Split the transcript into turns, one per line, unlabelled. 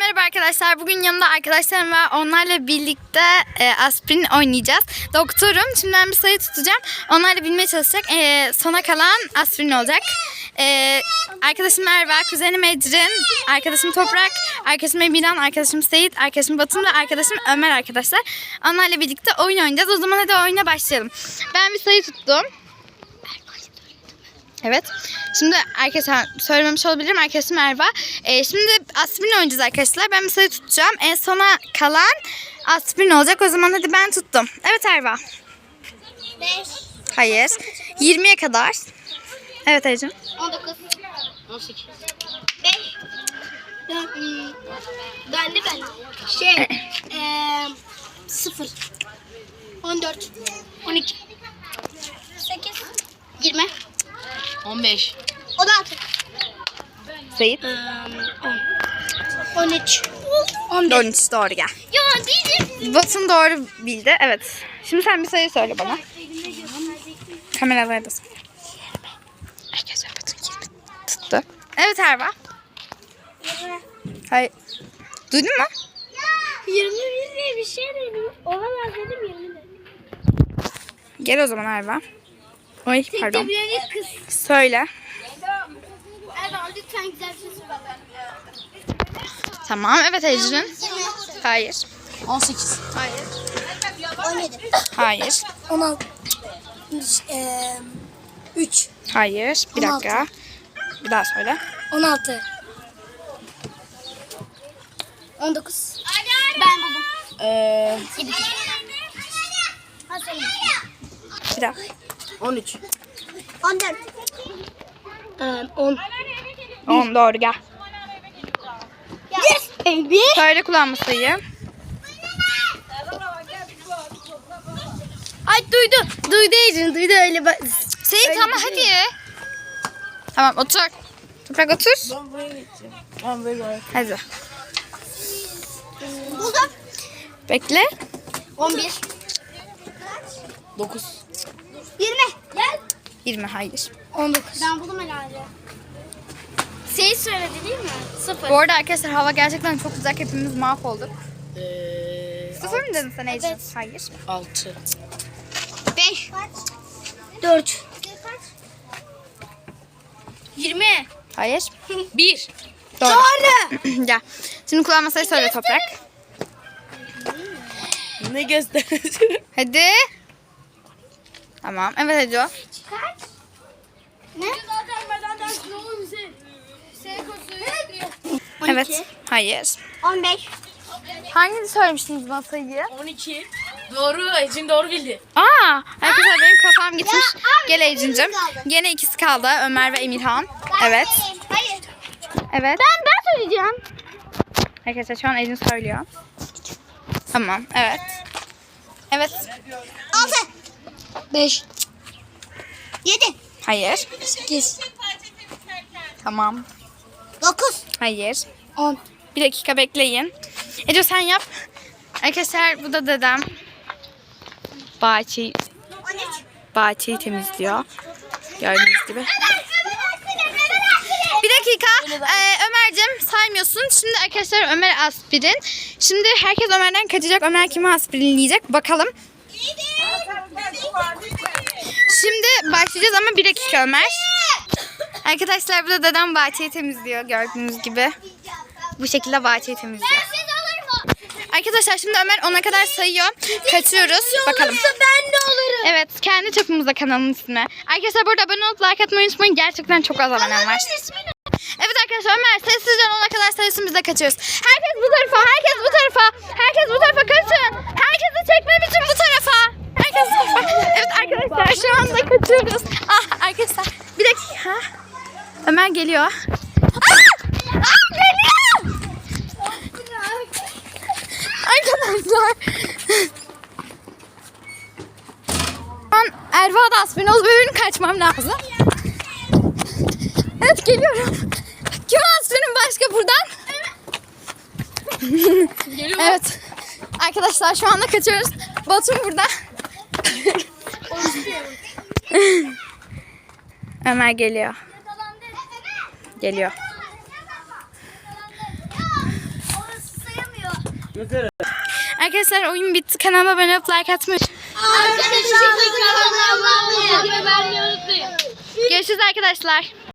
Merhaba arkadaşlar. Bugün yanımda arkadaşlarım var. Onlarla birlikte aspirin oynayacağız. Doktorum. Şimdi ben bir sayı tutacağım. Onlarla bilmeye çalışacak. Sona kalan aspirin olacak. Arkadaşım Merve, kuzenim Ecrin, arkadaşım Toprak, arkadaşım Emirhan, arkadaşım Seyit, arkadaşım Batın ve arkadaşım Ömer arkadaşlar. Onlarla birlikte oyun oynayacağız. O zaman hadi oyuna başlayalım. Ben bir sayı tuttum. Evet. Şimdi arkadaşlar söylememiş olabilirim. Arkadaşım Erva. Şimdi aspirin oynayacağız arkadaşlar. Ben bir sayı tutacağım. En sona kalan aspirin olacak. O zaman hadi ben tuttum. Evet Erva.
5.
Hayır. 20'ye kadar. Evet Ecrin.
19. 18. 5. Ben de. 0. 14. 12. 8. 20.
15.
16.
Seyit.
10. 13. 11.
13 doğru gel.
Ya diyeceğim.
Batın doğru bildi. Evet. Şimdi sen bir sayı söyle bana. Kameralara da söyle. Arkadaşlar Batın 20 tuttu. Evet Erva. Hayır. Duydun mu?
21 diye bir şey dedim. Olamaz dedim 20 dedim.
Gel o zaman Erva. Oy pardon.
Tekrar kız.
Söyle.
Erdoğan lütfen güzel bir şey söyle.
Tamam. Evet Ecrin. Hayır.
18.
Hayır.
17.
Hayır.
16. 3.
Hayır. Bir
16.
dakika. Bir daha söyle.
16. 19. Ben buldum. 7.
Bir daha.
13.
14. 10.
10 doğru gel.
Yes baby.
Söyle kullanma sayıyı.
Ay duydu. Duydu Ecrin. Duydu öyle.
Seyit ama hadi. Tamam otur. Toprak otur.
Ben buraya gideceğim. Ben böyle.
Hadi.
Buldum.
Bekle.
11.
9.
20. Gel.
20 hayır.
19. Ben buldum herhalde. Şey söyledi değil mi? 0.
Bu arada arkadaşlar hava gerçekten çok sıcak. Hepimiz mahvolduk. 0 mı dedin sen Ecrin?
Evet.
Hayır.
6.
5. 4. 20.
Hayır.
1.
Doğru.
Doğru.
Gel. Şimdi kullanma sayı söyle Toprak.
Ne gösteriyorsun?
Hadi. Tamam. Evet Ece.
Kaç? Ne?
Evet. Hayır.
15.
Hangini söylemiştiniz bana sayıyı?
12. Doğru. Ecin doğru bildi.
Aa, arkadaşlar benim kafam gitmiş.
Ya, abi,
Gel Ecrin'cim.
ikimiz kaldı.
Gene ikisi kaldı. Ömer ve Emirhan. Evet.
Hayır.
Evet.
Ben söyleyeceğim.
Arkadaşlar şu an Ecrin söylüyor. Tamam. Evet. Evet.
6. 5. 7.
Hayır.
8.
Tamam.
9.
Hayır.
10.
Bir dakika bekleyin. Ece sen yap. Arkadaşlar bu da dedem. Bahçeyi temizliyor. Gördüğünüz gibi. Bir dakika. Ömer'cim saymıyorsun. Şimdi arkadaşlar Ömer aspirin. Şimdi herkes Ömer'den kaçacak. Ömer kime aspirinleyecek? Bakalım. Şimdi başlayacağız ama bir dakika Ömer. Arkadaşlar bu da dedem bahçeyi temizliyor. Gördüğünüz gibi. Bu şekilde bahçeyi temizliyor. Arkadaşlar şimdi Ömer ona kadar sayıyor. Kaçıyoruz. Bakalım.
Ben de olurum.
Evet, kendi çapımızda kanalın ismi. Arkadaşlar burada abone olup like atmayı unutmayın. Gerçekten çok az abonem var. Evet arkadaşlar Ömer sessizce ona kadar sayısın biz de kaçıyoruz. Herkes bu tarafa, herkes bu tarafa. Herkes bu tarafa kaçın. Herkesi çekmem için bu tarafa. Herkes bu tarafa. Evet arkadaşlar şu anda kaçıyoruz. Ah arkadaşlar bir dakika. Ömer geliyor. Geliyor. Arkadaşlar. Şu an Erva da aspirin olup benim kaçmam lazım. Evet geliyorum. Kim aspirin başka buradan? Evet. Arkadaşlar şu anda kaçıyoruz. Batum burada. Ömer geliyor. Geliyor. Arkadaşlar oyun bitti. Kanalıma abone olup like atmayı.
Arkadaşlar kanalıma abone olmayı ve beğenmeyi unutmayın.
Görüşürüz arkadaşlar.